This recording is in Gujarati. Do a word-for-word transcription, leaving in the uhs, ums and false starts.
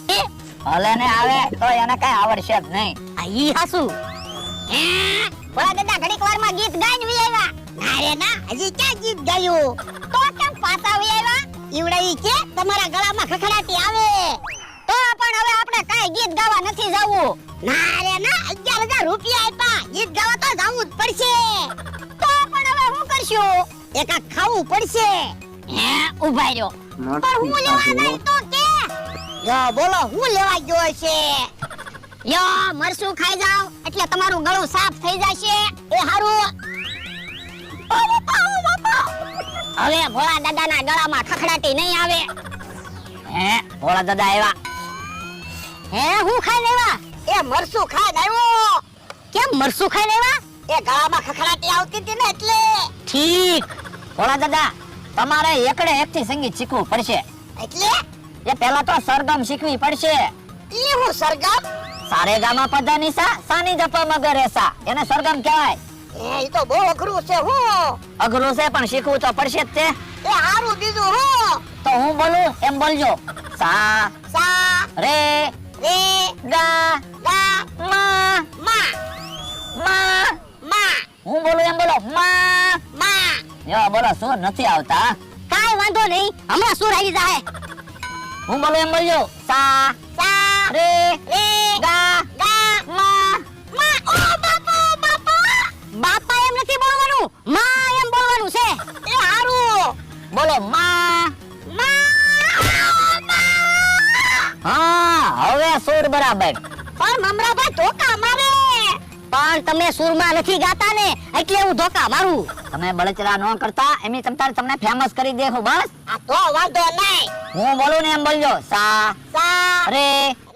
હલે ને આવે તો એને કઈ આવડશે જ નહીં. આ ઈ હાસુ હે બોલા દાદા ઘડીક વારમાં ગીત ગાઈને વી આવ્યા. ના રે ના હજી ક્યાં ગીત ગાયું? તો કેમ પાછા વી આવ્યા? ઈવડા ઈ કે તમારા ગળામાં ખખડાટી આવે. તો પણ હવે આપણે કાઈ ગીત ગાવા નથી જાવું. ના રે ના અગિયાર હજાર રૂપિયા આપ્યા, ગીત ગાવા તો જાવું જ પડશે. તો પણ હવે શું કરશું? એકા ખાવું પડશે. હે ઉભા રહ્યો. પણ હું લેવા નહીં તો કે યો બોલો હું લેવા ગયો છે? યો મરસું ખાઈ જાવ એટલે તમારું ગળું સાફ થઈ જશે. એ હારું ઓ બાપા ઓ બાપા હવે ભોળા દાદાના ગળામાં ખખડાટી નહીં આવે. હે ભોળા દાદા આવ્યા. હે હું ખાઈ લેવા? એ મરસું ખાઈ આવ્યો. કેમ મરસું ખાઈ લેવા? એ ગળામાં ખખડાટી આવતી હતી ને એટલે. ઠીક ભોળા દાદા તમારે એકડે એકથી સંગીત શીખવું પડશે. એટલે એ પહેલા તો સરગમ શીખવી પડશે. ઈ હું સરગમ? સારે ગામા પધા નિસા સાની જપા મગર એસા એને સરગમ કહેવાય. એ ઈ તો બહુ અઘરું છે. હું અઘરું છે પણ શીખવું તો પડશે જ તે. એ હારું બીજું હું તો હું બોલું એમ બોલજો. સા સા રે રે ગા ગા મા મા મા મા હું બોલું એમ બોલો મા. મા યો બોલો સુર નથી આવતા. કાઈ વાંધો નહીં, હમણાં સુર આવી જાય. હું બોલું એમ બોલજો. સા સા રે રે ગા ગા મા મા. ઓ બાપા બાપા બાપા એમ નથી બોલવાનું, મા એમ બોલવાનું છે. એ હારું બોલો મા. મા. હા હવે સુર બરાબર. પણ મમરાભાઈ ધોકા મારે. પણ તમે સુરમાં નથી ગાતા ને એટલે હું ધોકા મારું. તમે બળચરા ન કરતા એમની તમતારે તમને ફેમસ કરી દેખો બસ. આ તો વાંધો નહીં. હું બોલું ને એમ બોલજો. સા સા રે